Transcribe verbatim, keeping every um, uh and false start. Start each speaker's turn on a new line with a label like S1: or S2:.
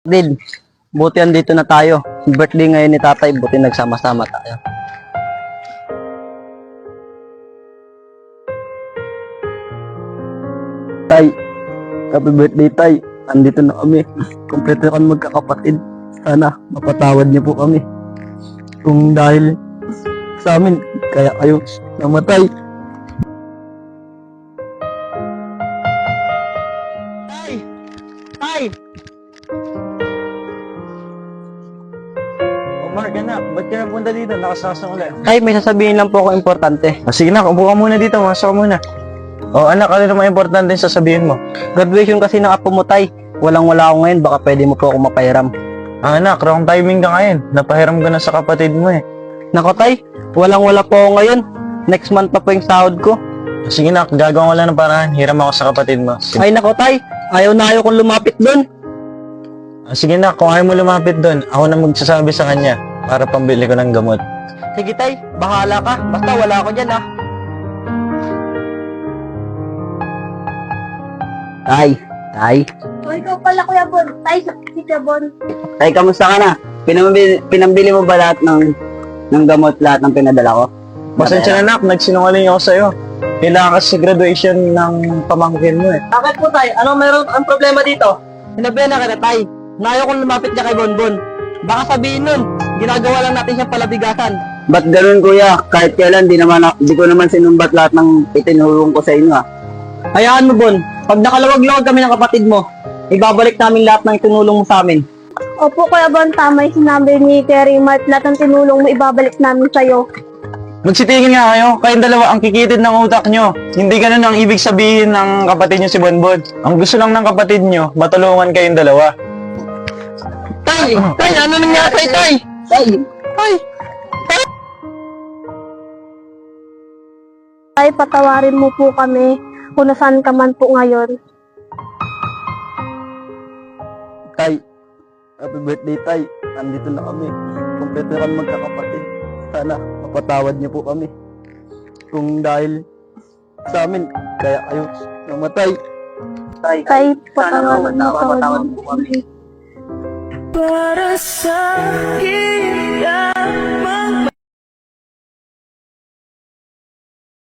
S1: Din, buti andito na tayo. Birthday ngayon ni tatay, buti nagsama-sama tayo. Tay, happy birthday tay. Andito na kami. Kompleto kami magkakapatid. Sana mapatawad niyo po kami. Kung dahil sa amin, kaya kayo namatay. Tay! Tay!
S2: Mark, anak, ba't ka napunta dito? Nakasasang ulit.
S1: Tay, may sasabihin lang po ako importante.
S2: Ah, sige na, upo ka muna dito, masok ka muna. O anak, ano naman importante yung sasabihin mo?
S1: Graduation kasi ng apo mo, tay. Walang-wala ako ngayon, baka pwede mo po ako mapahiram.
S2: Ah, anak, wrong timing ka ngayon. Napahiram ka na sa kapatid mo eh.
S1: Nako tay, walang-wala po ako ngayon. Next month pa po yung sahod ko.
S2: Ah, sige na, gagawin ko lang ng paraan. Hiram ako sa kapatid mo. Sige,
S1: Ay nako tay, ayaw na ayaw kong lumapit doon.
S2: ah, sige na, kung ayaw mo lumapit doon, ako na magsasabi sa kanya para pambili ko ng gamot.
S1: Sige tay, bahala ka. Basta wala ako dyan ah. Tay, tay.
S3: O, ikaw pala, Kuya Bon. Tay, si Kuya Bon.
S1: Tay, kamusta ka na? Pinambili, pinambili mo ba lahat ng, ng gamot, lahat ng pinadala ko?
S2: Pasensya na, anak, nagsinungaling ako sa'yo. Kailangan kasi graduation ng pamangkin mo eh.
S1: Bakit po tay? Ano meron ang problema dito? Sinabihan na kita tay. Nayo kong lumapit niya kay Bonbon. Baka sabihin nun, ginagawa lang natin siyang palabigasan. Ba't ganun kuya? Kahit kailan, di, naman, di ko naman sinumbat lahat ng itinulong ko sa inyo ah. Hayaan mo Bon, pag nakalawag-lawag kami ng kapatid mo, ibabalik namin lahat ng itinulong mo sa amin.
S3: Opo, Kuya Bon, tama yung sinabi ni Terry Mart. Lahat ng tinulong mo, ibabalik namin sa'yo.
S2: Magsitingin nga kayo, kayong dalawa ang kikitid ng utak nyo. Hindi ganun ang ibig sabihin ng kapatid nyo si Bonbon. Ang gusto lang ng kapatid nyo, matulungan kayong dalawa.
S1: Tay! Tay! Ano nangyari kay Tay? Tay! Tay!
S3: Tay, patawarin mo po kami kung nasaan ka man po ngayon.
S1: Tay! Happy birthday Tay! Andito na kami. Kompleto kami magkakapatid. Sana mapatawad niyo po kami. Kung dahil sa amin, kaya kayo namatay. Tay!
S3: Tay,
S1: Sana
S3: patawarin mo
S1: mapatawad
S3: kami.
S1: po kami.
S4: Para sa hirap